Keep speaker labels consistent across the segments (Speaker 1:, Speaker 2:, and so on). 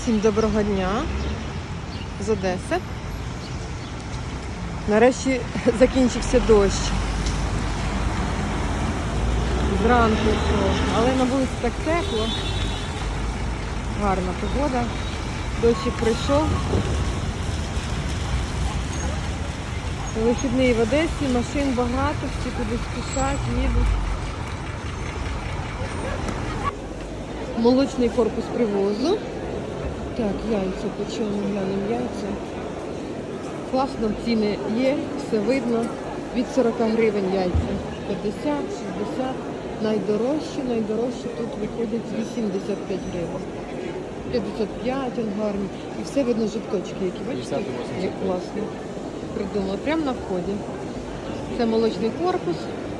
Speaker 1: Всім доброго дня з Одеси. Нарешті закінчився дощ. Зранку йшов, але на вулиці так тепло. Гарна погода. Дощик прийшов. Вихідний в Одесі, машин багато, всі кудись спішать, їдуть. Молочний корпус привозу. Так, яйця, почому глянемо яйця. Класно, ціни є, все видно. Від 40 гривень яйця. 50, 60. Найдорожчі тут виходять 85 гривень. 55, он гарний. І все видно жовточки, які, бачите, як класно. Придумали, прямо на вході. Це молочний корпус.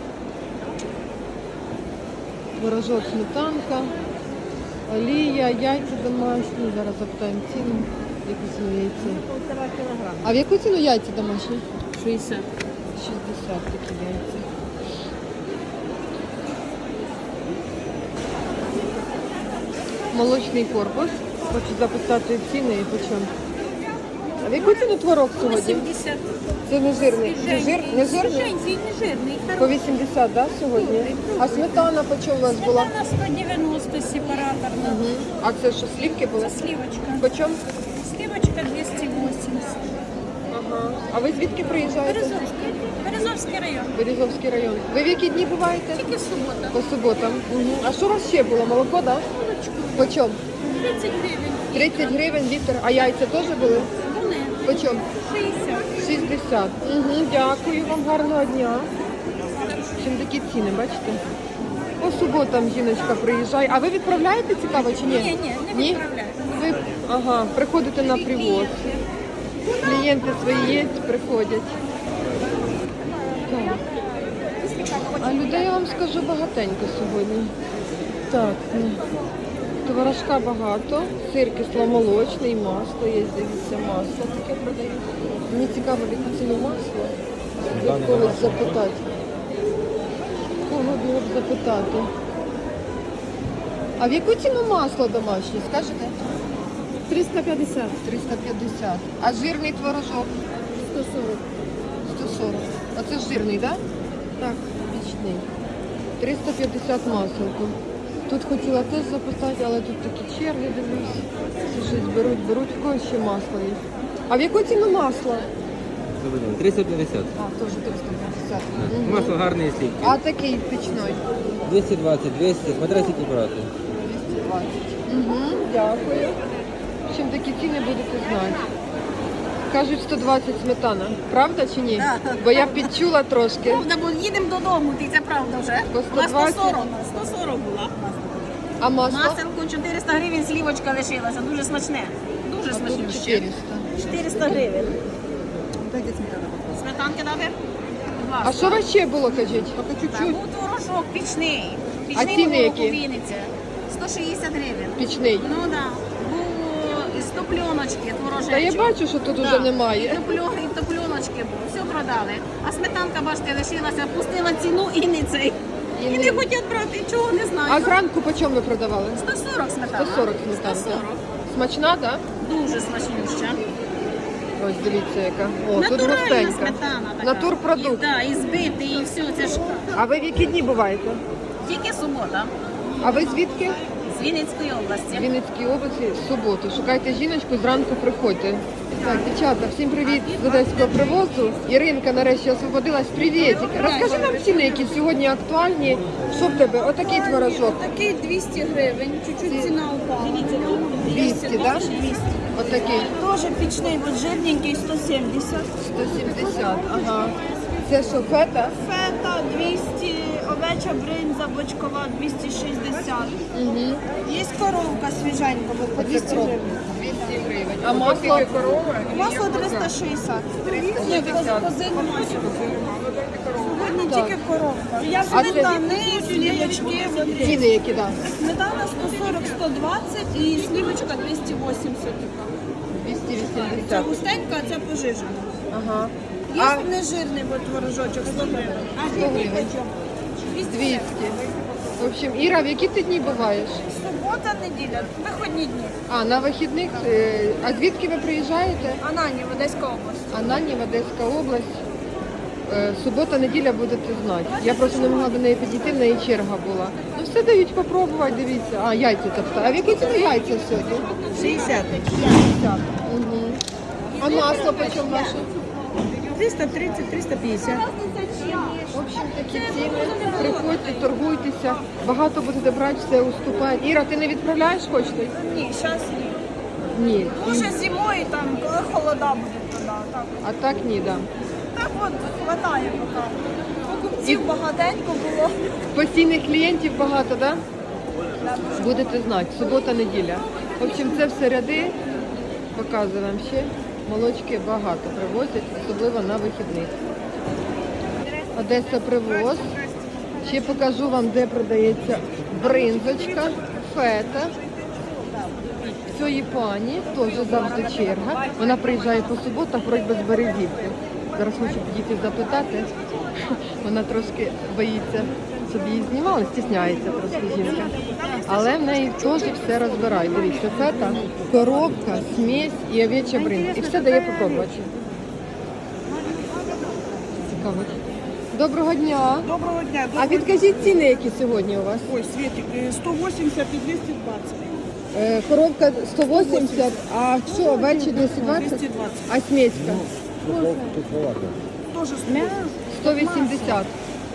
Speaker 1: Творожок, сметанка. Олія, яйця домашні. Зараз запитаємо ціну. Яку ціну яйця? 1,5 кілограма. А в яку ціну яйця домашні? 60. 60 такі яйця. Молочний корпус. Хочу запитати ціни і почому. А в яку ціну творог сьогодні?
Speaker 2: 80.
Speaker 1: Це не жирний. Не жирний?
Speaker 2: Не жирний.
Speaker 1: По 80, так, да, сьогодні? А сметана по чому у вас була?
Speaker 2: Сметана 190 сепараторна.
Speaker 1: Угу. А це що, слівки були?
Speaker 2: Це сливочка.
Speaker 1: По чому?
Speaker 2: Сливочка 280.
Speaker 1: Ага. А ви звідки приїжджаєте?
Speaker 2: Березовський район.
Speaker 1: Березовський район. Ви в які дні буваєте?
Speaker 2: Тільки субота.
Speaker 1: По суботам. Угу. А що у вас ще було? Молоко, так? Да? По чому?
Speaker 2: 30 гривень.
Speaker 1: 30 гривень літр. А яйця теж були?
Speaker 2: Вони.
Speaker 1: По чому?
Speaker 2: 60.
Speaker 1: 60. Угу. Дякую вам, гарного дня. Чим такі ціни, бачите? По суботам жіночка приїжджає. А ви відправляєте, цікаво, чи ні?
Speaker 2: Ні, не відправляю.
Speaker 1: Ви, ага, приходите на привоз. Клієнти свої є, приходять. Так. А людей, я вам скажу, багатенько сьогодні. Так, ну, творожка багато, сир кисломолочний, масло є, дивіться, масло таке продають. Мені цікаво, в яку ціну масло. Я в когось запитати. Кого було б запитати? А в яку ціну масло домашнє, скажете?
Speaker 2: 350.
Speaker 1: 350. А жирний творожок?
Speaker 2: 140.
Speaker 1: 140. А це ж жирний, так? Да?
Speaker 2: Так.
Speaker 1: Вічний. 350 маселку. Тут хотіла теж запитати, але тут такі черги, дивлюсь. Всі щось беруть, в когось ще масло є. А в яку ціну масло?
Speaker 3: 350.
Speaker 1: А, теж 350. Мгм.
Speaker 3: Масло гарне слівки.
Speaker 1: А такий пічний?
Speaker 3: 220, 200, смотря скільки брати.
Speaker 1: 220. Угу, дякую. В общем, такі ціни будете знати. Кажуть, 120 сметана. Правда чи ні?
Speaker 2: Да.
Speaker 1: Бо я підчула трошки.
Speaker 2: Правда, бо їдемо додому, ти це правда вже.
Speaker 1: По
Speaker 2: На
Speaker 1: 120.
Speaker 2: 140 була.
Speaker 1: А масло?
Speaker 2: Маселку 400 гривень, слівочка лишилася. Дуже смачне. Дуже
Speaker 1: А тут
Speaker 2: смачнюще.
Speaker 1: 400.
Speaker 2: 400 гривень. Сметанки дати? Будь ласка.
Speaker 1: А що у вас ще було, кажіть? Поки
Speaker 2: Та
Speaker 1: чуть-чуть.
Speaker 2: був творожок пічний.
Speaker 1: А ціни які?
Speaker 2: Вінниця. 160 гривень.
Speaker 1: Пічний.
Speaker 2: Ну так. Да. Був із топльоночки, творожечок.
Speaker 1: Та я бачу, що тут уже немає.
Speaker 2: І топльоночки був. Все продали. А сметанка, бачите, лишилася, пустила ціну і не цей. І не хочуть брати, чого не знаю.
Speaker 1: А зранку по чому ви продавали?
Speaker 2: 140 сметана.
Speaker 1: 140 сметанка.
Speaker 2: 140.
Speaker 1: Смачна, так?
Speaker 2: Дуже смачнюща.
Speaker 1: Да? Ось дивіться яка. О, тут
Speaker 2: Натуральна
Speaker 1: густенька.
Speaker 2: сметана така.
Speaker 1: Натурпродукт.
Speaker 2: Так, і збитий, і все. Це ж
Speaker 1: А ви в які дні буваєте?
Speaker 2: тільки субота.
Speaker 1: А ви звідки?
Speaker 2: З Вінницької
Speaker 1: В
Speaker 2: області.
Speaker 1: Вінницькій області в суботу. Шукайте жіночку, зранку приходьте. Так, дівчата, всім привіт з одеського привозу. Іринка нарешті освободилась. Привітик. Розкажи нам ціни, які сьогодні актуальні. Що в тебе? Отакий творожок.
Speaker 4: Такий 200 гривень, чуть-чуть ціна упала.
Speaker 1: 200, так? Да?
Speaker 4: 200.
Speaker 1: Отакий.
Speaker 4: Тоже пічний, от жирненький 170.
Speaker 1: 170, ага. Це що, фета?
Speaker 4: Фета 200, овеча бринза бочкова 260.
Speaker 1: Угу.
Speaker 4: Є коровка свіженька, от по 200 гривень.
Speaker 1: 200 гривень. А масло?
Speaker 4: Масло 360. Ні, козину масло. Сьогодні
Speaker 1: Так.
Speaker 4: тільки коровка. Я
Speaker 1: А це-
Speaker 4: сметани, слівочки. от
Speaker 1: Ціни які, так?
Speaker 4: Сметана 140-120 і слівочка 280 така. Це
Speaker 1: 280.
Speaker 4: густенька, а це пожижена.
Speaker 1: Ага.
Speaker 4: Є
Speaker 1: А
Speaker 4: нежирний от творожочок 100 гривень. А
Speaker 1: 100 гривень. 200. В общем, Іра, в які ти дні буваєш?
Speaker 4: Субота. Субота, неділя, виходні дні.
Speaker 1: А, на вихідних. А звідки ви приїжджаєте?
Speaker 4: Ананів, Одеська область.
Speaker 1: Ананів, Одеська область. Субота, неділя будете знати. Я просто не могла до неї підійти, в неї черга була. Ну все дають попробувати, дивіться. А, яйця тобто. А в які ціни яйця сьогодні?
Speaker 4: 60.
Speaker 1: 50. Угу. А масло по чому ваше?
Speaker 4: 330, 350.
Speaker 1: В общем, такі ціни. Приходьте, торгуйтеся. Багато будете брати, все уступають. Іра, ти не відправляєш поштою?
Speaker 4: Ні, зараз ні.
Speaker 1: Ні.
Speaker 4: Може зимою, там, коли холода буде туди. Так,
Speaker 1: А так ні, да.
Speaker 4: так от, хватає поки. Покупців багатенько було.
Speaker 1: Постійних клієнтів багато, да? Будете знати, субота, неділя. В общем, це все ряди. Показую вам ще. Молочки багато привозять, особливо на вихідних. Одеса привоз. Ще покажу вам, де продається бринзочка, фета. В цієї пані теж завжди черга. Вона приїжджає по суботах, вроді без Березівки. Зараз хочу підійти запитати. Вона трошки боїться, щоб її знімали, стісняється трошки жінка. Але в неї теж все розбирають. Дивіться, фета, коробка, смесь і овеча бринза. І все дає попробувати. Цікаво. Доброго дня.
Speaker 4: Доброго дня.
Speaker 1: А відкажіть ціни, які сьогодні у вас?
Speaker 4: Ой, Светик, 180 і 220.
Speaker 1: Коробка 180, а що, овечі 220?
Speaker 4: 220.
Speaker 1: А смеська?
Speaker 4: Тоже
Speaker 1: 180.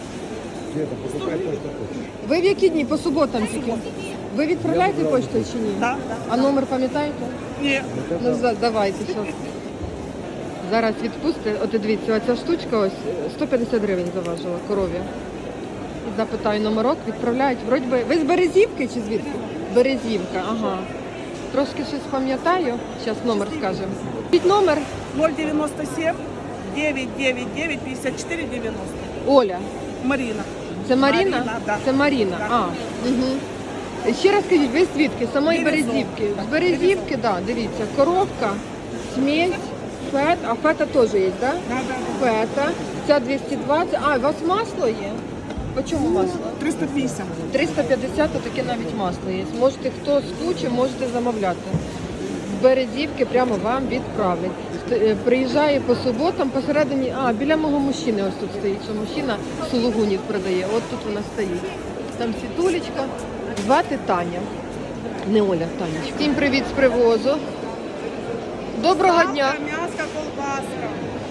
Speaker 1: Ви в які дні? По суботам тільки? Ви відправляєте поштою чи ні?
Speaker 4: Так.
Speaker 1: А номер пам'ятаєте?
Speaker 4: Ні.
Speaker 1: Ну, давайте, що. Зараз відпусти. От дивіться, оця штучка ось 150 гривень заважила корові. І запитаю номерок, відправляють. Вроді би, ви з Березівки чи звідки? Березівка, ага. Трошки щось пам'ятаю. Зараз номер скажемо. Під номер
Speaker 4: 097 999 54 90.
Speaker 1: Оля.
Speaker 4: Марина.
Speaker 1: Це Маріна?
Speaker 4: Маріна, да.
Speaker 1: Це Маріна.
Speaker 4: Так.
Speaker 1: А, угу. Ще раз скажіть, ви звідки? З самої
Speaker 4: Березовка.
Speaker 1: Березівки. З Березівки, так, да, дивіться, коробка, смесь, фет, а фета теж є, так? Да? Фета, ця 220, а, у вас масло є? По чому масло?
Speaker 4: 350.
Speaker 1: 350, то таке навіть масло є. Можете, хто схоче, можете замовляти. З Березівки прямо вам відправлять. Приїжджає по суботам, посередині, біля мого мужчини ось тут стоїть, що мужчина сулугунів продає. От тут вона стоїть. Там світулечка, звати Таня. Не Оля, Танечка. Всім привіт з привозу. Доброго дня.
Speaker 4: М'ясо, колбаска.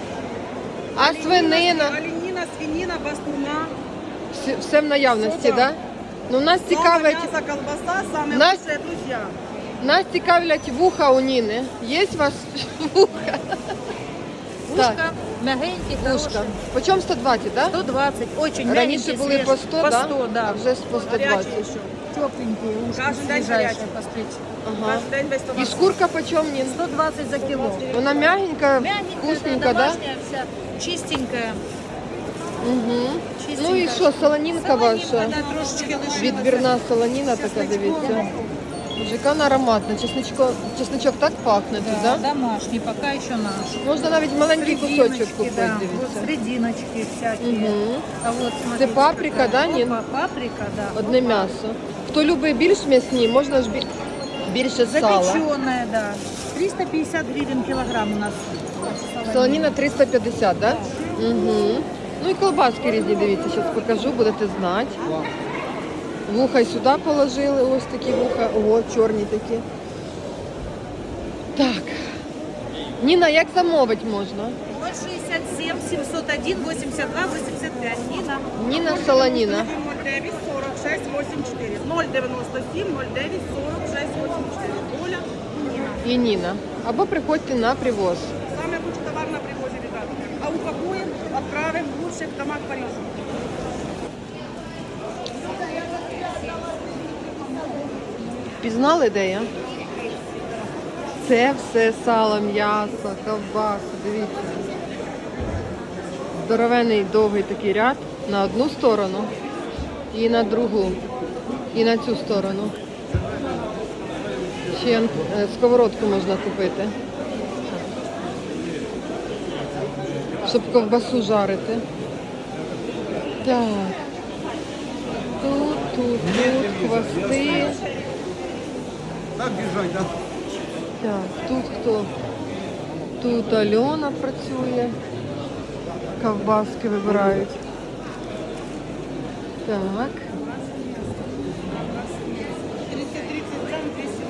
Speaker 1: А свинина?
Speaker 4: Оленина, свинина, бастуна.
Speaker 1: Все в наявності, так? Да? Ну, нас цікавить,
Speaker 4: Мясо, колбаса, самые
Speaker 1: Нас-
Speaker 4: лучшие друзья.
Speaker 1: нас цікавлять вуха у Ніни. Є у вас вуха?
Speaker 5: Ушка, мягенькие,
Speaker 1: Ушка. Почем 120, да?
Speaker 5: 120, очень
Speaker 1: Раніше
Speaker 5: мягенькие,
Speaker 1: були по 100,
Speaker 5: по
Speaker 1: да?
Speaker 5: 100, да.
Speaker 1: А вже по 120.
Speaker 4: Горячие еще.
Speaker 5: Тепленькие ушки,
Speaker 4: Каждый день
Speaker 5: свежайшие
Speaker 4: горячие.
Speaker 5: постричь.
Speaker 1: Ага.
Speaker 4: Каждый день без
Speaker 1: І
Speaker 4: томатов.
Speaker 1: шкурка почем, Нін?
Speaker 5: 120 за кило.
Speaker 1: Вона мягенька,
Speaker 5: Мягенькая,
Speaker 1: вкусненька, да?
Speaker 5: домашняя вся, чистенькая.
Speaker 1: Угу.
Speaker 5: чистенькая.
Speaker 1: Ну і що, солонінка ваша?
Speaker 5: Да, трошечки лишилася.
Speaker 1: Відбірна солоніна така, дивіться. Боже, яка вона ароматна. Чесничок так пахне тут,
Speaker 5: Да,
Speaker 1: да?
Speaker 5: домашний, пока еще наш.
Speaker 1: Можна навіть маленький кусочок
Speaker 5: Срединочки,
Speaker 1: купити,
Speaker 5: да, вот
Speaker 1: дивіться.
Speaker 5: срединочки всякие.
Speaker 1: Угу.
Speaker 5: А вот, смотрите,
Speaker 1: паприка,
Speaker 5: какая.
Speaker 1: да, Нин?
Speaker 5: Опа, паприка, да.
Speaker 1: Одне м'ясо. Хто любить більш м'ясні, можна ж більше сала.
Speaker 5: Запеченная, да. 350 гривен килограмм у нас.
Speaker 1: Солоніна 350, да? Угу. Ну і колбаски різні, дивіться, зараз покажу, будете знати. Вуха й сюди положили, ось такі вуха. Ого, чорні такі. Так. Ніна, як замовити можна?
Speaker 5: 067 701 82 85. Нина.
Speaker 1: Ніна солоніна.
Speaker 4: 09 46 84. 097 09 46 84. Оля, Нина.
Speaker 1: І Ніна. Або приходьте на привоз.
Speaker 4: Самый лучший товар на привозе, ребята. А упакуем, отправим в лучших домах Парижа.
Speaker 1: Пізнали, де я? Це все сало, м'ясо, ковбаса, дивіться. Здоровенний довгий такий ряд на одну сторону і на другу, і на цю сторону. Ще сковородку можна купити, щоб ковбасу жарити. Так. Тут, хвости.
Speaker 6: Так держать, да?
Speaker 1: Так, тут хто? Тут Альона працює. Ковбаски вибирають. Так.
Speaker 5: 330 грамм, 280.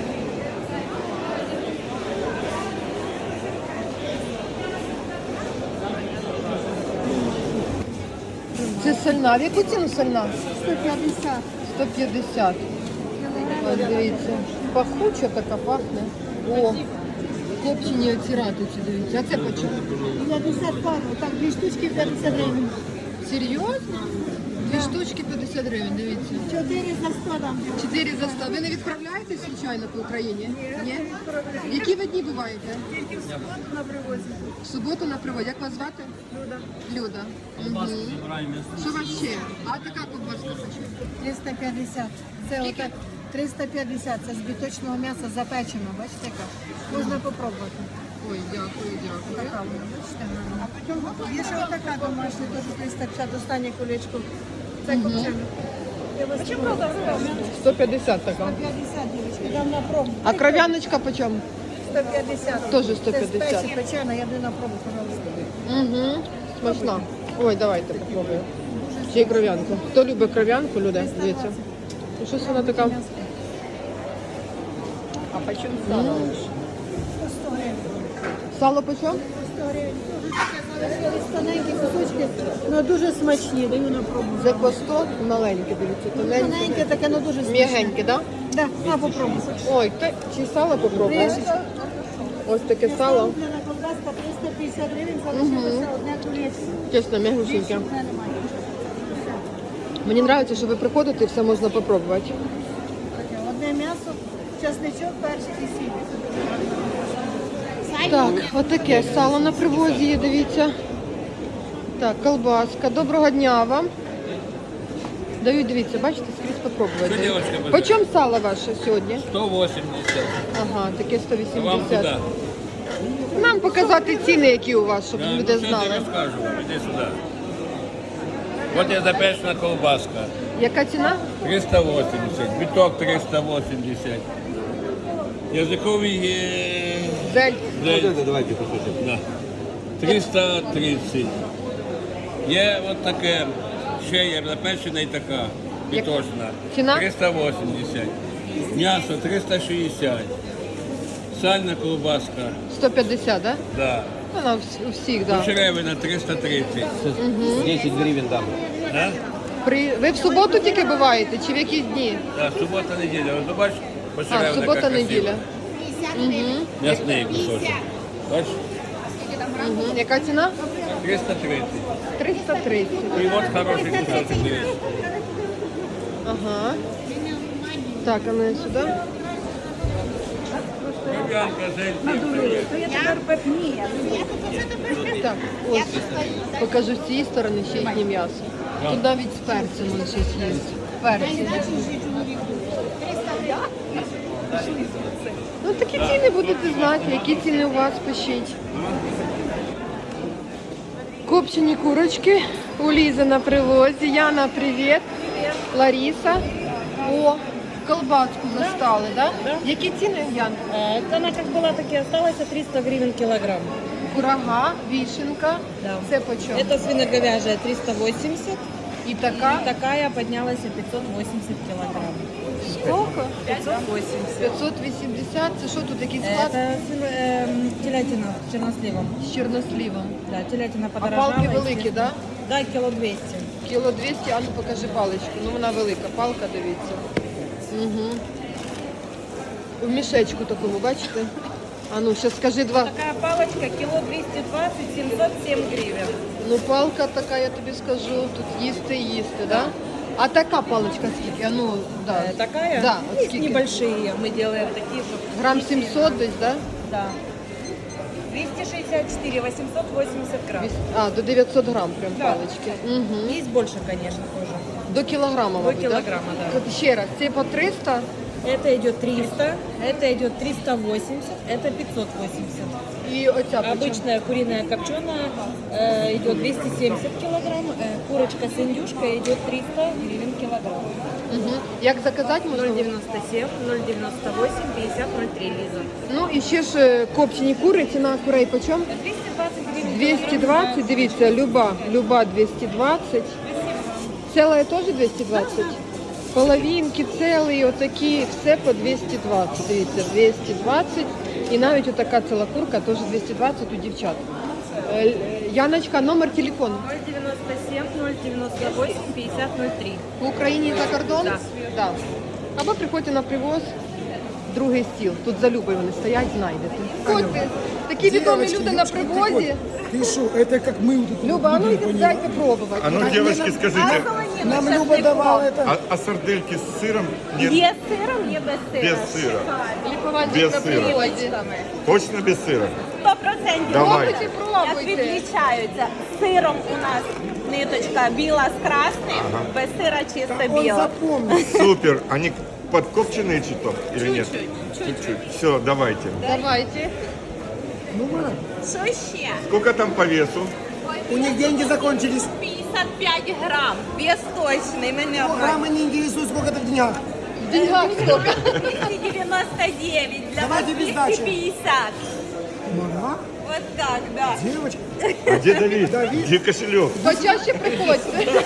Speaker 1: Це сольна. В яку ціну сольна?
Speaker 5: 150.
Speaker 1: 150. Ось дивіться. Пахуча така пахне. О, копчені оці ратиці, дивіться. А це по чому?
Speaker 5: 50 пару. Так, 2 штучки 50 гривень.
Speaker 1: Серйозно? Дві штучки 50 гривень, дивіться.
Speaker 5: 4 за 100 дам.
Speaker 1: 4 за 100. Ви не відправляєтесь, звичайно, по Україні? Ні? Які ви дні буваєте?
Speaker 4: Тільки в суботу на привозі.
Speaker 1: В суботу на приводі. Як вас звати?
Speaker 4: Люда.
Speaker 1: Люда. Мгм. Що у вас ще? А така ковбаска почему?
Speaker 5: 350. Це отак 350. Це з біточного м'яса запечено. Бачите, яка? Можна попробувати.
Speaker 1: Ой, дякую, дякую.
Speaker 5: Така вона, бачите, гарна. Є ще отака домашня, теж 350, останнє колечко. Це копчене. Я вас прошу.
Speaker 1: 150 така.
Speaker 5: 150, дівчатки, дам на пробу.
Speaker 1: А кров'яночка по чому?
Speaker 5: 150.
Speaker 1: Теж
Speaker 5: Це
Speaker 1: 150.
Speaker 5: спеція печена, я даю на пробу, пожалуйста.
Speaker 1: Угу. Смачна. Ой, давайте попробуємо. Ще й кров'янку. Хто любить кров'янку, люди, дивіться. Ну, щось вона така. А по чому сало?
Speaker 5: 100 гривень.
Speaker 1: Сало по чому?
Speaker 5: 100 гривень. Дуже таке залишились тоненькі кусочки, але дуже смачні, даю на пробу.
Speaker 1: Це по 100 маленьке, дивіться, тоненьке.
Speaker 5: Тоненьке таке, але дуже смачне.
Speaker 1: М'ягеньке, так?
Speaker 5: Да, на попробуй.
Speaker 1: Ой, чи сало попробуємо? Ось таке сало.
Speaker 5: Куплена колбаска 350 гривень, залишилося одне колечко.
Speaker 1: Чесно, м'ягусіньке.
Speaker 5: Більше вже немає.
Speaker 1: Мені подобається, що ви приходите і все можна попробувати.
Speaker 5: Таке, одне м'ясо, часничок, перчик і сіль.
Speaker 1: Так, отаке сало на привозі є, дивіться. Так, колбаска. Доброго дня вам. Дають, дивіться, бачите, скрізь попробувати.
Speaker 3: Що, дівчатка, буде?
Speaker 1: По чому сало ваше сьогодні?
Speaker 3: 180.
Speaker 1: Ага, таке
Speaker 3: А вам
Speaker 1: 180.
Speaker 3: куди?
Speaker 1: Нам показати ціни, які у вас, щоб
Speaker 3: Да,
Speaker 1: люди
Speaker 3: ну, що я
Speaker 1: знали.
Speaker 3: тобі скажу, іди сюди. От є запечена колбаска.
Speaker 1: Яка ціна?
Speaker 3: 380, біток 380. Язиковий
Speaker 1: Зель.
Speaker 3: давайте кусочок. Да. 330. Є от таке, ще є запечена і така, біточна.
Speaker 1: Ціна?
Speaker 3: 380. М'ясо 360. Сальна колбаска,
Speaker 1: 150, да?
Speaker 3: да.
Speaker 1: Вона у всіх, да.
Speaker 3: Черевина 330.
Speaker 6: 10 гривен дам.
Speaker 3: Да?
Speaker 1: Ви в суботу тільки буваєте, чи в які дні?
Speaker 3: Да, субота, неділя. Ось бачиш,
Speaker 1: А,
Speaker 3: почеревина
Speaker 1: субота, неділя.
Speaker 3: М'ясний кусочок. Бачиш?
Speaker 1: Угу. Яка ціна?
Speaker 3: 330.
Speaker 1: 330.
Speaker 3: І от хороший кусочок, дивись.
Speaker 1: Ага. Так, а ну сюди.
Speaker 3: Кров'янка, зель.
Speaker 1: Так, ось. Покажу з цієї сторони ще їхнє м'ясо. Тут навіть з перцем воно щось є. Перці. Ну такі ціни будете знати, які ціни у вас пишіть. Копчені курочки у Лізи на привозі. Яна, привіт. Лариса. О, колбаску застали, да? Які ціни, Ян?
Speaker 7: Она как была, так и осталась, 300 гривен килограмм.
Speaker 1: Курага, вишенка.
Speaker 7: Да.
Speaker 1: Це по чому?
Speaker 7: Это свиноговяжья 380,
Speaker 1: І така.
Speaker 7: такая поднялась и 580 килограмм.
Speaker 1: Сколько?
Speaker 7: 580.
Speaker 1: 580. Це що тут якийсь склад?
Speaker 7: Это телятина с черносливом.
Speaker 1: З чорносливом.
Speaker 7: Да, телятина
Speaker 1: А
Speaker 7: подорожала.
Speaker 1: палки великі,
Speaker 7: естественно.
Speaker 1: да?
Speaker 7: Да, кило 200.
Speaker 1: Кіло 200, а ну покажи паличку. Ну вона велика, палка, дивіться. Угу. В мішечку такому, бачите? А ну, зараз скажи два.
Speaker 7: Такая палочка, кило 220, 707 гривен.
Speaker 1: Ну палка така, я тобі скажу, тут їсти, да? А така паличка скільки? А ну, да.
Speaker 7: Такая?
Speaker 1: Да, от
Speaker 7: Есть
Speaker 1: скільки?
Speaker 7: небольшие, мы делаем такие, чтобы...
Speaker 1: Грам 700 десь, да?
Speaker 7: Да. 264, 880 грамм.
Speaker 1: А, до 900 грам прям
Speaker 7: Да.
Speaker 1: палички. Угу.
Speaker 7: Есть больше, конечно, тоже.
Speaker 1: До кілограма,
Speaker 7: До
Speaker 1: мабуть,
Speaker 7: кілограма, да.
Speaker 1: От ще раз, це по 300?
Speaker 7: Это идет 300, это идет 380, это 580.
Speaker 1: І оця почем?
Speaker 7: Обычная куриная копченая идет 270 килограмм. Курочка с индюшкой идет 300 гривен килограмм.
Speaker 1: Угу. Як заказати можна?
Speaker 7: 0,97, 0,98, 50, 0,3 Лиза.
Speaker 1: Ну і ще ж копчені кури, ціна курей почем?
Speaker 7: 220 гривен.
Speaker 1: 220, дивіться, люба 220. Целая теж 220? Половинки, цілі, отакі, все по 220. Дивіться, 220. І навіть отака ціла курка теж 220 у дівчат. Яночка, номер телефону.
Speaker 7: 0,97, 0,98, 50, 0,3.
Speaker 1: В Україні за кордон?
Speaker 7: Да.
Speaker 1: Да. Або приходьте на привоз, другий стіл. Тут за Любою вони стоять, знайдете. Ходьте, такі відомі люди на привозі.
Speaker 8: Ты что, это как мы вот тут
Speaker 1: Люба, а ну
Speaker 8: будем,
Speaker 1: йдіть, дайте пробувати.
Speaker 9: А ну, девочки, скажите,
Speaker 8: Нам Люба давала это.
Speaker 9: а сардельки с сыром? Нет,
Speaker 2: Є з сиром, є без сира.
Speaker 9: без сыра.
Speaker 1: Лікувати
Speaker 9: Без
Speaker 1: на
Speaker 9: сира.
Speaker 1: привозі.
Speaker 9: Точно без сыра?
Speaker 2: 100%.
Speaker 9: Давай.
Speaker 1: Пробуйте,
Speaker 2: Як
Speaker 1: пробуйте.
Speaker 2: відлічаються? Сиром у нас ниточка біла з красним, без сира чисто
Speaker 8: Он
Speaker 2: біла.
Speaker 8: запомнил.
Speaker 9: Супер. Они подкопченные чуток или нет? Чуть-чуть. Все, давайте.
Speaker 1: Давайте.
Speaker 8: Ну, Марат,
Speaker 2: Що ще?
Speaker 9: Сколько там по весу?
Speaker 8: у них деньги закончились.
Speaker 2: 55 грам, вес точний, ми не обманюємо.
Speaker 8: Программа не интересует, сколько это в деньгах.
Speaker 1: В деньгах сколько?
Speaker 2: 299, для вас
Speaker 8: Давайте без дачи.
Speaker 2: 250.
Speaker 8: Мама,
Speaker 2: Вот так, да.
Speaker 8: девочка.
Speaker 9: А где Давид? Где кошелек?
Speaker 1: Почаще приходьте.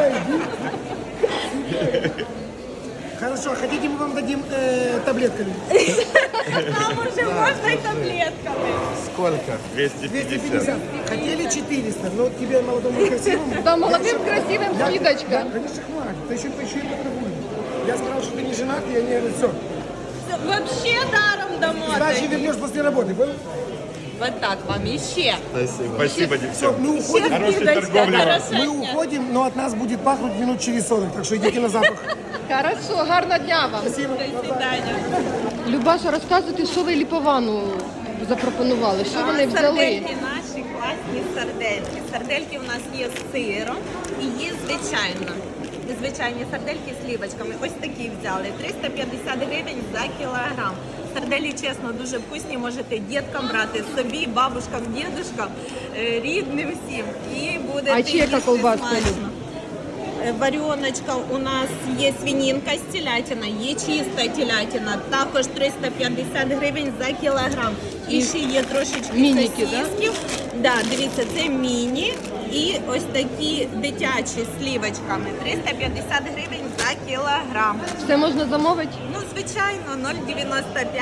Speaker 8: Хорошо, хотите, мы вам дадим таблетками?
Speaker 2: Там уже можна і таблетками.
Speaker 9: Сколько? 250.
Speaker 8: 250. Хотели 400, но тебе молодому и красивому.
Speaker 1: Там молодым красивым
Speaker 8: Да,
Speaker 1: скидочка.
Speaker 8: конечно, хватит. Ты еще и поторгуешь. Я сказал, что ты не женат, и они говорят, все.
Speaker 2: Вообще даром дамо.
Speaker 8: Сдачи вернешь после работы, понял?
Speaker 2: Вот так вам іще.
Speaker 9: Спасибо,
Speaker 8: Все,
Speaker 9: девчонки.
Speaker 8: мы уходим.
Speaker 9: Хорошей
Speaker 2: скидочка,
Speaker 9: торговли вам.
Speaker 2: хорошо.
Speaker 8: Мы уходим, но от нас будет пахнуть минут через 40, так что идите на запах.
Speaker 1: Хорошо, гарного дня вам.
Speaker 8: Спасибо.
Speaker 2: До свидання.
Speaker 1: Любаша, розказуйте, що ви ліповану запропонували, що вони взяли?
Speaker 2: Сардельки наші класні сардельки. Сардельки у нас є з сиром і є звичайні сардельки з слівочками. Ось такі взяли. 350 гривень за кілограм. Сарделі, чесно, дуже вкусні. Можете діткам брати, собі, бабушкам, дідушкам, рідним всім. І буде
Speaker 1: А чи яка колбаска,
Speaker 2: смачно.
Speaker 1: Люба?
Speaker 2: Варіоночка у нас є свинінка з телятина, є чиста телятина, також 350 гривень за кілограм. І ще є трошечки
Speaker 1: Мініки, да?
Speaker 2: сосисків. Да, дивіться, це міні і ось такі дитячі з слівочками. 350 гривень за кілограм.
Speaker 1: Все можна замовити?
Speaker 2: Ну, звичайно, 095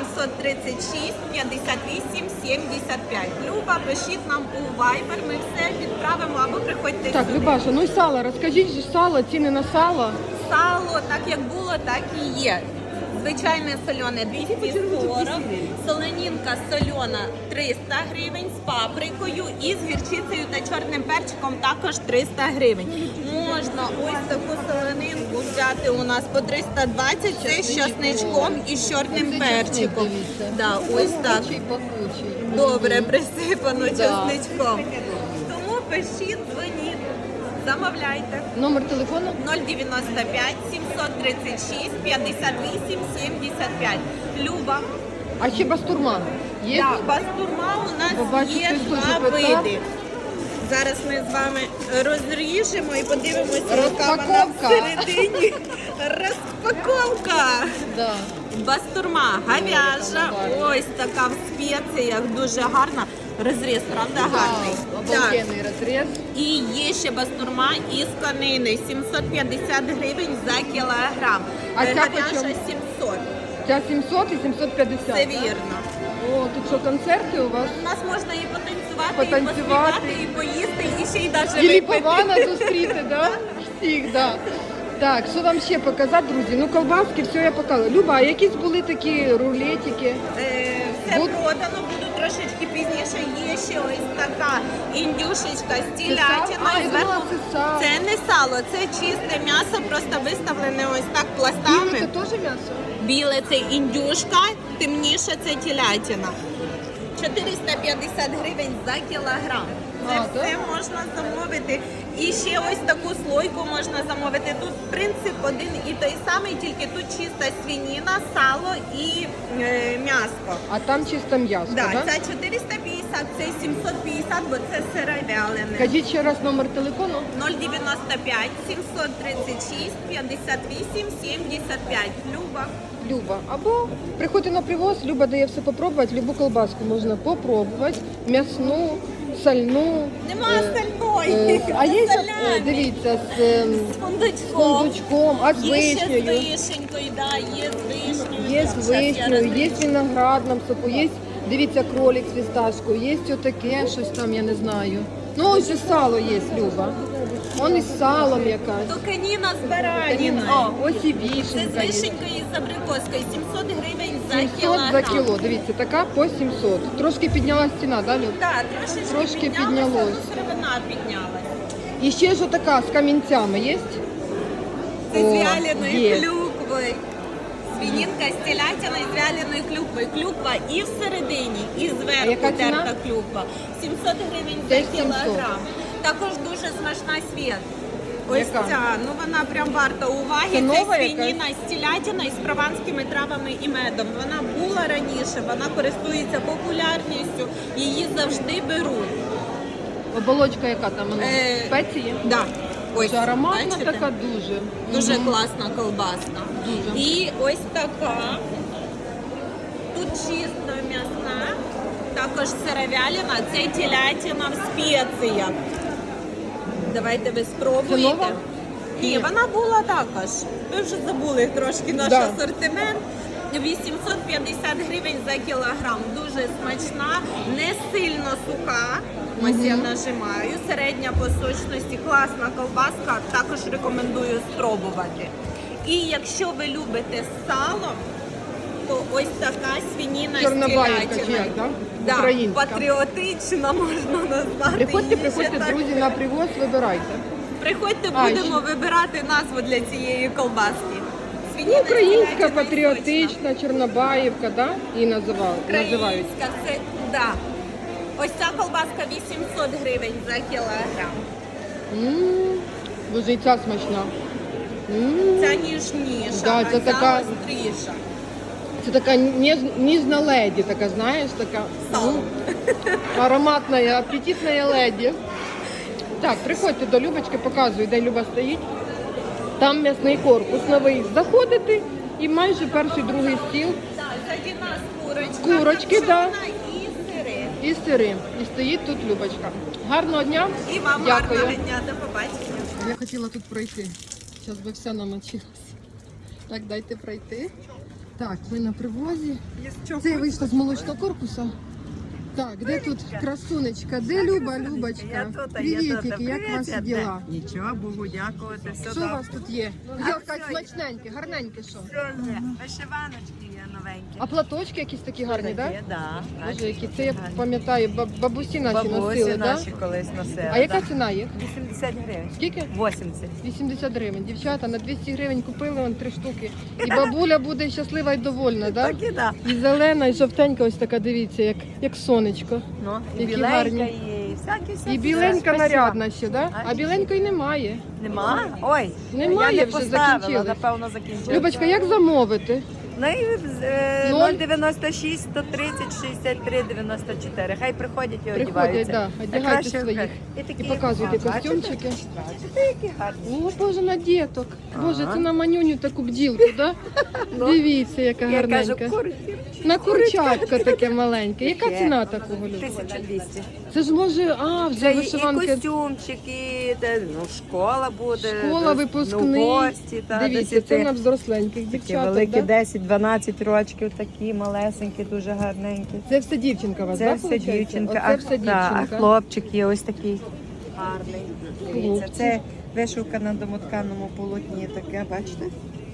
Speaker 2: 736 58 75. Люба, пишіть нам у Viber, ми все відправимо або приходьте
Speaker 1: Так,
Speaker 2: сюди.
Speaker 1: Любаша, ну і сало, розкажіть же сало, ціни на сало.
Speaker 2: Сало, так як було, так і є. Звичайне солене 240, солонінка солена 300 гривень з паприкою і з гірчицею та чорним перчиком також 300 гривень. Можна ось таку солонинку взяти у нас по 320, це з часничком і з чорним перчиком. Да, ось так.
Speaker 1: Пахучий.
Speaker 2: Добре присипано
Speaker 1: Да.
Speaker 2: часничком. Тому пишіть, дзвоніть, замовляйте.
Speaker 1: Номер телефону?
Speaker 2: 095 736 58 75. Люба.
Speaker 1: А ще бастурма є?
Speaker 2: Так, бастурма у нас
Speaker 1: Побачу,
Speaker 2: є
Speaker 1: хтось
Speaker 2: два
Speaker 1: дуже питав.
Speaker 2: види. Зараз ми з вами розріжемо і подивимося, яка вона
Speaker 1: Розпаковка.
Speaker 2: всередині. Розпаковка.
Speaker 1: Да.
Speaker 2: Бастурма говяжа, ось така в спеціях, дуже гарна. Розріз, правда, гарний?
Speaker 1: Да,
Speaker 2: Так.
Speaker 1: обалденний розріз.
Speaker 2: І є ще бастурма із конини, 750 гривень за кілограм.
Speaker 1: А ця
Speaker 2: Говяжа
Speaker 1: почем?
Speaker 2: 700,
Speaker 1: Ця 700 і 750.
Speaker 2: це
Speaker 1: да?
Speaker 2: вірно.
Speaker 1: О, тут що, концерти у вас?
Speaker 2: У нас можна і потанцювати,
Speaker 1: Потанцювати.
Speaker 2: і поспівати, і поїсти, і ще й навіть
Speaker 1: І
Speaker 2: випити.
Speaker 1: ліпована зустріти, да? Всіх, да. Так, що вам ще показати, друзі? Ну, колбаски, все я показала. Люба, а якісь були такі рулетики?
Speaker 2: Все
Speaker 1: Буд-
Speaker 2: продано, буду трошечки пізніше. Є ще ось така індюшечка з
Speaker 1: сало?
Speaker 2: телятиною.
Speaker 1: А, я думала, це сало.
Speaker 2: Це не сало, це чисте м'ясо, просто виставлене ось так
Speaker 1: Біле
Speaker 2: пластами.
Speaker 1: це теж м'ясо?
Speaker 2: Біле це індюшка, темніше це телятина. 450 гривень за кілограм. Це
Speaker 1: А,
Speaker 2: все
Speaker 1: так?
Speaker 2: можна замовити. І ще ось таку слойку можна замовити. Тут принцип один і той самий, тільки тут чиста свинина, сало і м'ясо.
Speaker 1: А там чисто м'ясо,
Speaker 2: Да,
Speaker 1: да?
Speaker 2: це 450 акції 750, бо це сире вялене.
Speaker 1: Кажіть ще раз номер телефону.
Speaker 2: 095 736 58 75. Люба.
Speaker 1: Люба. Або приходьте на привоз, Люба дає все попробувати, любу колбаску можна попробувати, м'ясну, сальну.
Speaker 2: Нема остальної.
Speaker 1: А є,
Speaker 2: Солями.
Speaker 1: дивіться, з
Speaker 2: З
Speaker 1: фундучком, а з
Speaker 2: Є ще з
Speaker 1: вишнею.
Speaker 2: вишенькою, да, є з вишнею.
Speaker 1: Є з
Speaker 2: Щас я
Speaker 1: вишнею, є
Speaker 2: розкажу.
Speaker 1: з виноградним соку, є, дивіться, кролик з фісташкою, є отаке, щось там, я не знаю. Ну, ось і сало є, Люба. Он із салом якась.
Speaker 2: Токаніна з бараніною.
Speaker 1: А, ось і
Speaker 2: Це з
Speaker 1: вішенька є.
Speaker 2: вишенькою і з абрикоскою. 700 гривень за
Speaker 1: 700
Speaker 2: кілограм.
Speaker 1: за кіло, дивіться, така по 700. Трошки піднялась ціна, да, Люб?
Speaker 2: Так,
Speaker 1: Трошки
Speaker 2: піднялося,
Speaker 1: піднялось.
Speaker 2: ну, сировина піднялась.
Speaker 1: І ще ж отака з камінцями є?
Speaker 2: Це з
Speaker 1: О,
Speaker 2: вяленою
Speaker 1: є.
Speaker 2: клюквою. Свинінка з телятиною з вяленою клюквою. Клюква і всередині, і
Speaker 1: А
Speaker 2: зверху
Speaker 1: яка ціна?
Speaker 2: терта клюква. 700 гривень
Speaker 1: Теж
Speaker 2: за
Speaker 1: 700.
Speaker 2: кілограм. Також дуже смачна світ. Ось
Speaker 1: Яка?
Speaker 2: ця, ну вона прям варта уваги.
Speaker 1: Це
Speaker 2: Це
Speaker 1: нова
Speaker 2: свиніна з телятиною, з прованськими травами і медом. Вона була раніше, вона користується популярністю, її завжди беруть.
Speaker 1: Оболочка яка там? Вона? Спеції?
Speaker 2: Да. Ось,
Speaker 1: Це ароматна
Speaker 2: бачите?
Speaker 1: така дуже.
Speaker 2: Дуже
Speaker 1: Мгм.
Speaker 2: класна колбаска.
Speaker 1: Дуже.
Speaker 2: І ось така. Тут чисто м'ясна, також сировялина, це телятина в спеціях. Давайте ви спробуєте.
Speaker 1: Це нова?
Speaker 2: Ні, вона була також. Ви вже забули трошки наш
Speaker 1: Да.
Speaker 2: асортимент. 850 гривень за кілограм. Дуже смачна, не сильно суха. Ось я нажимаю. Середня по сочності, класна колбаска. Також рекомендую спробувати. І якщо ви любите сало, то ось така свиніна з
Speaker 1: Чорнобаївка чи
Speaker 2: телятиною.
Speaker 1: як, да?
Speaker 2: Да,
Speaker 1: Українська.
Speaker 2: патріотична можна назвати.
Speaker 1: Приходьте,
Speaker 2: її ще
Speaker 1: приходьте,
Speaker 2: так.
Speaker 1: друзі, на привоз, вибирайте.
Speaker 2: Приходьте,
Speaker 1: А,
Speaker 2: будемо вибирати назву для цієї колбаски.
Speaker 1: Ну,
Speaker 2: Свиніна з
Speaker 1: українська,
Speaker 2: телятиною сочна.
Speaker 1: патріотична, Чорнобаївка, да? І називають.
Speaker 2: Українська, це, да. Ось ця колбаска 800 гривень за кілограм.
Speaker 1: Боже, і ця смачна.
Speaker 2: Ця ніжніша,
Speaker 1: Да,
Speaker 2: а
Speaker 1: це
Speaker 2: ця
Speaker 1: така-
Speaker 2: гостріша.
Speaker 1: Це така ніжна леді, така, знаєш, така
Speaker 2: Сало.
Speaker 1: ароматна, апетитна леді. Так, приходьте до Любочки, показую, де Люба стоїть. Там м'ясний корпус новий. Заходите і майже перший, другий стіл.
Speaker 2: Так, ззаді нас курочка,
Speaker 1: Курочки, да.
Speaker 2: копчена і сири.
Speaker 1: І сири. І стоїть тут Любочка. Гарного дня.
Speaker 2: І вам
Speaker 1: Дякую.
Speaker 2: гарного дня, до побачення.
Speaker 1: Я хотіла тут пройти. Зараз би вся намочилася. Так, дайте пройти. Так, ми на привозі. Це я вийшла з молочного корпусу. Так, де тут красунечка? Де Люба, Любочка? Привітики, як ваші діла?
Speaker 4: Нічого, Богу дякувати. Все
Speaker 1: Що у вас тут є? Якась смачненьке, гарненьке що?
Speaker 4: Вишиваночки є новенькі.
Speaker 1: А платочки якісь такі гарні, так?
Speaker 4: Є, да.
Speaker 1: Боже, які це я пам'ятаю, бабусі наші
Speaker 4: Бабусі
Speaker 1: носили, так?
Speaker 4: наші колись носили.
Speaker 1: А яка
Speaker 4: да.
Speaker 1: ціна їх?
Speaker 4: 80 гривень.
Speaker 1: Скільки?
Speaker 4: 80.
Speaker 1: 80 гривень. Дівчата, на 200 гривень купили вон 3 штуки. І бабуля буде щаслива і довольна, так?
Speaker 4: Так і да.
Speaker 1: І зелена, і жовтенька ось така, дивіться, як сонечко.
Speaker 4: Ну, і
Speaker 1: Які
Speaker 4: біленька
Speaker 1: гарні.
Speaker 4: є, і всякі.
Speaker 1: І біленька
Speaker 4: Спасибо.
Speaker 1: нарядна ще, так? А
Speaker 4: А,
Speaker 1: біленької немає.
Speaker 4: Нема? Ой,
Speaker 1: Немає,
Speaker 4: я не
Speaker 1: вже
Speaker 4: поставила,
Speaker 1: закінчили.
Speaker 4: напевно, закінчила.
Speaker 1: Любочка, як замовити?
Speaker 4: Ну і
Speaker 1: Ноль?
Speaker 4: 096 130 63 94. Хай приходять і
Speaker 1: Приходять,
Speaker 4: одягаються.
Speaker 1: да, одягайте
Speaker 4: Найкраще
Speaker 1: своїх.
Speaker 4: такі,
Speaker 1: І показуйте
Speaker 4: бачите?
Speaker 1: костюмчики.
Speaker 4: Бачите, які гарні.
Speaker 1: О, Боже, на діток. Боже, це на манюню таку бділку, так? Дивіться, яка
Speaker 4: Я кажу,
Speaker 1: гарненька.
Speaker 4: курки.
Speaker 1: На курчатка таке маленьке. Яка
Speaker 4: Таке.
Speaker 1: ціна такого, Люба?
Speaker 4: 1200.
Speaker 1: Це ж може, вже
Speaker 4: Це і
Speaker 1: вишиванки.
Speaker 4: костюмчик, і ну, школа буде.
Speaker 1: Школа,
Speaker 4: десь,
Speaker 1: випускний.
Speaker 4: Ну, гості, та,
Speaker 1: Дивіться, це на взросленьких
Speaker 4: такі
Speaker 1: дівчаток,
Speaker 4: великі,
Speaker 1: да?
Speaker 4: 10-12 років, такі малесенькі, дуже гарненькі.
Speaker 1: Це все дівчинка у вас,
Speaker 4: Це
Speaker 1: так,
Speaker 4: все
Speaker 1: виходить?
Speaker 4: дівчинка,
Speaker 1: Оце все
Speaker 4: та, а
Speaker 1: дівчинка.
Speaker 4: хлопчик є ось такий гарний. Дивіться,
Speaker 1: Хлопчик.
Speaker 4: це вишивка на домотканому полотні таке, бачите?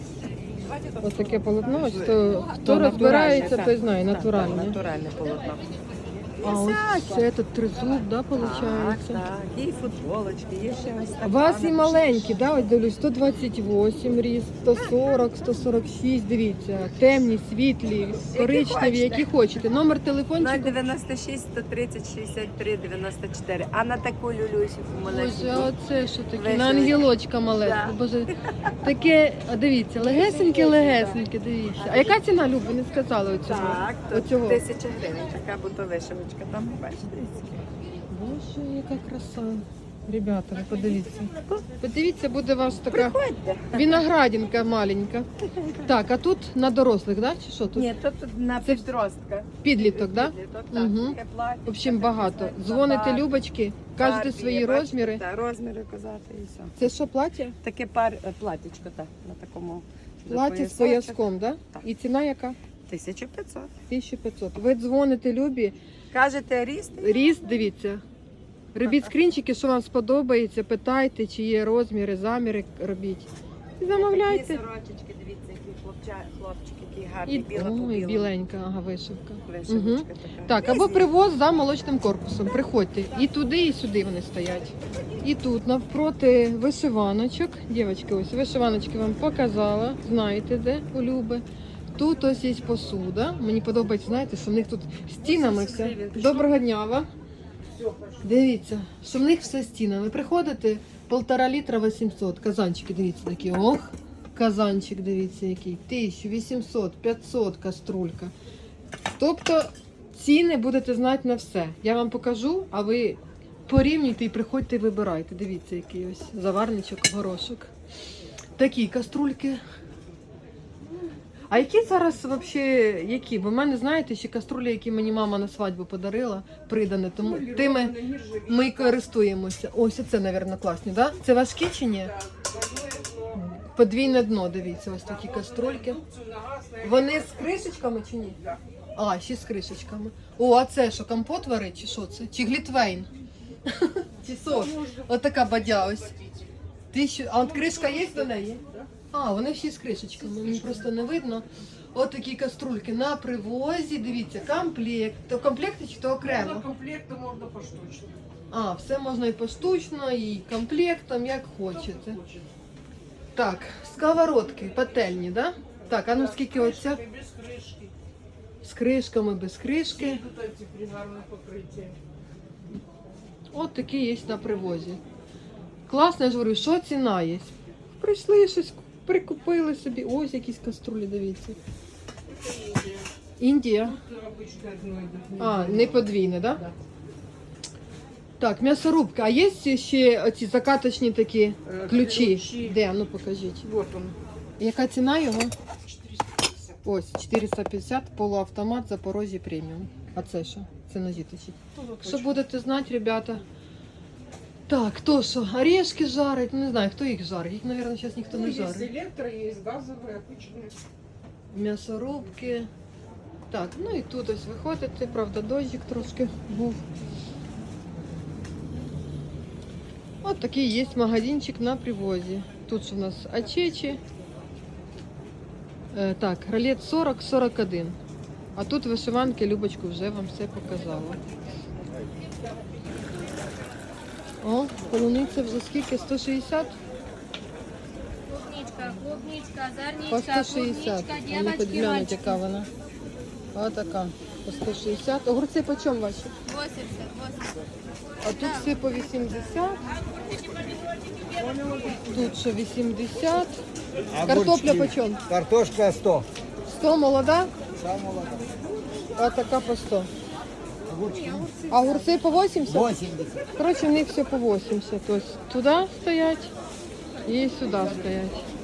Speaker 1: Ось таке полотно, ось хто
Speaker 4: натуральне,
Speaker 1: розбирається,
Speaker 4: так.
Speaker 1: той знає,
Speaker 4: Так,
Speaker 1: натуральне.
Speaker 4: так, натуральне полотно.
Speaker 1: А ось це тут тризуб, да,
Speaker 4: Так,
Speaker 1: виходить?
Speaker 4: так, є і футболочки, є ще ось така.
Speaker 1: У вас і маленькі, да, ось дивлюсь, 128 ріст, 140, 146, дивіться, темні, світлі, коричневі, які хочете. Номер телефончику.
Speaker 4: 096 130 63 94. А на таку люлюсіку
Speaker 1: Боже,
Speaker 4: малесеньку.
Speaker 1: а оце що таке?
Speaker 4: Вишивки.
Speaker 1: На ангелочка малесенька.
Speaker 4: Да.
Speaker 1: Боже, таке, а дивіться, легесеньке, дивіться. А яка ціна, Люб, ви не сказали оцього?
Speaker 4: Так, то
Speaker 1: Оцього.
Speaker 4: 1000 гривень, така буде вишивочка.
Speaker 5: Ромашка, там бачите.
Speaker 1: Боже, яка краса. Ребята, ви подивіться. Подивіться, буде у вас така виноградинка маленька. Так, а тут на дорослих, да? Чи що тут?
Speaker 5: Ні, то тут на
Speaker 1: Це
Speaker 5: підростка.
Speaker 1: Підліток, да?
Speaker 5: Підліток,
Speaker 1: Мгм.
Speaker 5: таке плаття,
Speaker 1: В общем,
Speaker 5: таке
Speaker 1: багато.
Speaker 5: так,
Speaker 1: Дзвоните
Speaker 5: забар,
Speaker 1: Любочки, кажете
Speaker 5: Барбі,
Speaker 1: свої
Speaker 5: бачите,
Speaker 1: розміри.
Speaker 5: Так, розміри казати і все.
Speaker 1: Це що, плаття?
Speaker 5: Таке платтячко, так, на такому.
Speaker 1: Плаття з
Speaker 5: поясочок.
Speaker 1: пояском, да?
Speaker 5: Так.
Speaker 1: І ціна яка?
Speaker 5: 1500.
Speaker 1: 1500. Ви дзвоните Любі,
Speaker 5: Кажете, ріст?
Speaker 1: ріст, дивіться. Робіть скрінчики, що вам сподобається, питайте, чи є розміри, заміри робіть. І замовляйте.
Speaker 5: Такі сорочечки, дивіться, які хлопчики, які гарні,
Speaker 1: І,
Speaker 5: біла по
Speaker 1: ой,
Speaker 5: білому.
Speaker 1: біленька, ага, вишивка.
Speaker 5: Вишивочка
Speaker 1: Мгм.
Speaker 5: така.
Speaker 1: Так, або привоз за молочним корпусом. Приходьте. І туди, і сюди вони стоять. І тут навпроти вишиваночок. Дівчатки, ось вишиваночки вам показала. Знаєте, де у Люби. Тут ось є посуда. Мені подобається, знаєте, що в них тут стінами все. Доброго дня вам. Дивіться, що в них все стінами. Приходите, 1,5 літра 800. Казанчики, дивіться, такі. Ох, казанчик, дивіться, який. 1800, 500 каструлька. Тобто ціни будете знати на все. Я вам покажу, а ви порівнюйте і приходьте і вибирайте. Дивіться, який ось заварничок, горошок. Такі каструльки. А які зараз взагалі, які? Бо в мене, знаєте, ще каструлі, які мені мама на свадьбу подарила, придане, тому тими ми й користуємося. Ось це, мабуть, класні, да? Це важкі чи ні? Подвійне дно, дивіться, ось такі каструльки. Вони з кришечками чи ні? А, ще з кришечками. О, а це що, компот варить, чи що це? Чи глітвейн? Чи сок? Отака бадя ось. А от кришка є до неї? А, вони всі з кришечками, мені просто не видно. От такі каструльки на привозі, дивіться, комплект. То в комплекті чи то окремо?
Speaker 8: Комплекту можна поштучно.
Speaker 1: А, все можна і поштучно, і комплектом, як хочете. Так, сковородки, пательні, да? Так, а ну скільки оця?
Speaker 8: Без кришки.
Speaker 1: З кришками, без кришки.
Speaker 8: Тут ці гарне покриття.
Speaker 1: От такі є на привозі. Класно, я ж говорю, що ціна є? Прийшли щось, прикупили собі. Ось якісь каструлі, дивіться. Індія.
Speaker 8: Обычно одно йде.
Speaker 1: А, не подвійне, так? Да? Так, м'ясорубка. А є ще оці закаточні такі ключі?
Speaker 8: Ключі.
Speaker 1: Де? Ну покажіть.
Speaker 8: Вот он.
Speaker 1: Яка ціна його?
Speaker 8: 450.
Speaker 1: Ось, 450, полуавтомат, Запорожжя преміум. А це що? Це ножі точить. Що будете знати, ребята? Так, то що, орешки жарить? Ну, не знаю, хто їх жарить. Їх, мабуть, зараз ніхто не
Speaker 8: Есть
Speaker 1: жарить.
Speaker 8: электро, есть газовые, обычные.
Speaker 1: М'ясорубки. Так, ну і тут ось виходите, правда, дощик трошки був. От такий є магазинчик на привозі. Тут ж у нас ачечі. Так, ролет 40-41. А тут вишиванки, Любочку вже вам все показала. О, полуниця вже скільки? 160?
Speaker 7: Клубничка,
Speaker 1: По
Speaker 7: зерничка,
Speaker 1: 160.
Speaker 7: клубничка,
Speaker 1: Вони
Speaker 7: девочки,
Speaker 1: подглянуть,
Speaker 7: мальчики.
Speaker 1: яка вона. Ось така. По 160. Огурці по чому ваші?
Speaker 7: 80.
Speaker 1: А тут все по 80. Тут що 80. Картопля по чому?
Speaker 6: Картошка 100.
Speaker 1: 100 молода,
Speaker 6: Сам молода.
Speaker 1: а така по 100. А огурці по 80?
Speaker 6: 80.
Speaker 1: Коротше, в них все по 80. Тобто туди стоять і сюди стоять.